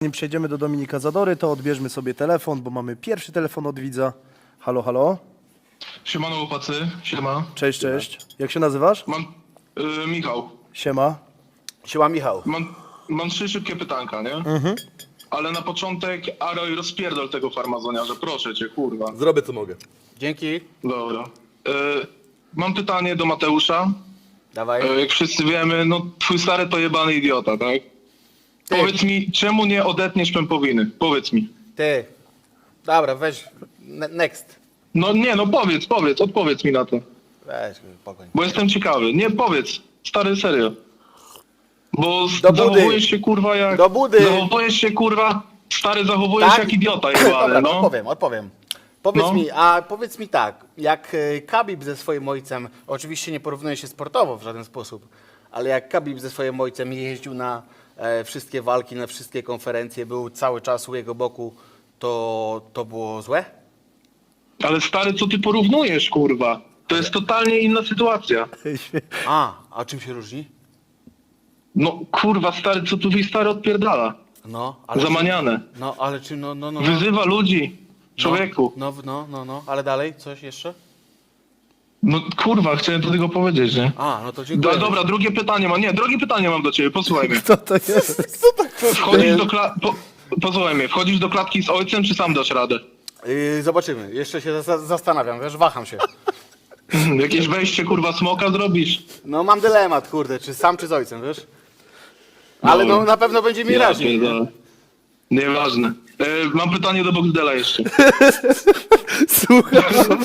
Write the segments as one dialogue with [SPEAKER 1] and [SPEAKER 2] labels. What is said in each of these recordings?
[SPEAKER 1] Zanim przejdziemy do Dominika Zadory, to odbierzmy sobie telefon, bo mamy pierwszy telefon od widza. Halo, halo.
[SPEAKER 2] Siemano chłopacy, siema.
[SPEAKER 1] Cześć, cześć. Jak się nazywasz?
[SPEAKER 2] Mam Michał.
[SPEAKER 1] Siema.
[SPEAKER 3] Siema Michał.
[SPEAKER 2] Mam 3 szybkie pytanka, nie? Ale na początek Aroj rozpierdol tego farmazoniarza, proszę cię, kurwa.
[SPEAKER 4] Zrobię co mogę.
[SPEAKER 3] Dzięki.
[SPEAKER 2] Dobra. Mam pytanie do Mateusza.
[SPEAKER 3] Dawaj.
[SPEAKER 2] Jak wszyscy wiemy, no twój stary to jebany idiota, tak?
[SPEAKER 3] Ty.
[SPEAKER 2] Powiedz mi, czemu nie odetniesz pępowiny? Powiedz mi.
[SPEAKER 3] Ty. Dobra, weź. Next.
[SPEAKER 2] No nie, no odpowiedz mi na to.
[SPEAKER 3] Weź, spokojnie.
[SPEAKER 2] Bo jestem ciekawy. Nie, powiedz. Stary, serio. Bo
[SPEAKER 3] Do budy.
[SPEAKER 2] zachowujesz się kurwa jak...
[SPEAKER 3] Do budy.
[SPEAKER 2] Zachowujesz się kurwa... Stary, zachowujesz
[SPEAKER 3] Tak?
[SPEAKER 2] jak idiota
[SPEAKER 3] Dobra,
[SPEAKER 2] jebany, no.
[SPEAKER 3] odpowiem.
[SPEAKER 2] No.
[SPEAKER 3] Powiedz mi tak, jak Khabib ze swoim ojcem, oczywiście nie porównuje się sportowo w żaden sposób, ale jak Khabib ze swoim ojcem jeździł na wszystkie walki, na wszystkie konferencje, był cały czas u jego boku, to było złe?
[SPEAKER 2] Ale stary, co ty porównujesz, kurwa? To jest totalnie inna sytuacja.
[SPEAKER 3] A czym się różni?
[SPEAKER 2] No kurwa, stary, co tu twój stary odpierdala?
[SPEAKER 3] No, ale
[SPEAKER 2] Zamaniane.
[SPEAKER 3] No, ale czy no.
[SPEAKER 2] Wyzywa ludzi. Człowieku.
[SPEAKER 3] No, ale dalej, coś jeszcze?
[SPEAKER 2] No kurwa, chciałem do tego powiedzieć, nie?
[SPEAKER 3] No to dziękuję.
[SPEAKER 2] Dobra, drugie pytanie mam do ciebie, posłuchaj mnie.
[SPEAKER 1] Co to jest?
[SPEAKER 2] Wchodzisz do posłuchaj mnie, wchodzisz do klatki z ojcem, czy sam dasz radę?
[SPEAKER 3] Zobaczymy, jeszcze się zastanawiam, wiesz, waham się.
[SPEAKER 2] Jakieś wejście, kurwa, smoka zrobisz?
[SPEAKER 3] No mam dylemat, kurde, czy sam, czy z ojcem, wiesz? Ale no na pewno będzie mi raźniej.
[SPEAKER 2] pierdolę. Nieważne. Mam pytanie do Boxdela jeszcze.
[SPEAKER 1] Słuchaj.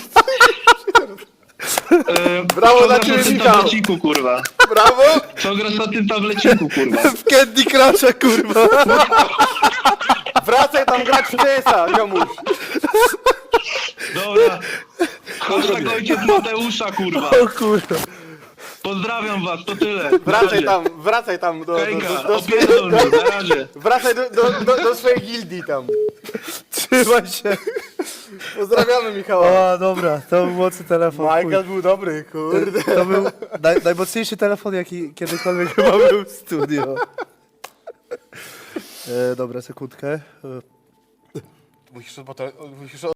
[SPEAKER 3] Brawo
[SPEAKER 2] Co
[SPEAKER 3] dla
[SPEAKER 2] grasz
[SPEAKER 3] ciebie,
[SPEAKER 2] na tym
[SPEAKER 3] Michał.
[SPEAKER 2] tableciku, kurwa?
[SPEAKER 3] Brawo!
[SPEAKER 2] Co grasz na tym tableciku, kurwa?
[SPEAKER 1] W Candy Crusha, kurwa.
[SPEAKER 3] Wracaj tam grać w CS-a, ziomuś.
[SPEAKER 2] Dobra. Hashtag ojciec Mateusza, kurwa.
[SPEAKER 1] O kurwa.
[SPEAKER 2] Pozdrawiam was, to tyle.
[SPEAKER 3] Wracaj tam
[SPEAKER 2] Hejka,
[SPEAKER 3] do
[SPEAKER 2] opierdol mnie, na razie.
[SPEAKER 3] Wracaj do swojej gildii tam.
[SPEAKER 1] Trzymaj się.
[SPEAKER 3] Pozdrawiamy Michała.
[SPEAKER 1] O, dobra, to był mocny telefon.
[SPEAKER 3] Michael był dobry, kurde.
[SPEAKER 1] To był najmocniejszy telefon, jaki kiedykolwiek chyba był w studio. Dobra, sekundkę.
[SPEAKER 3] Musisz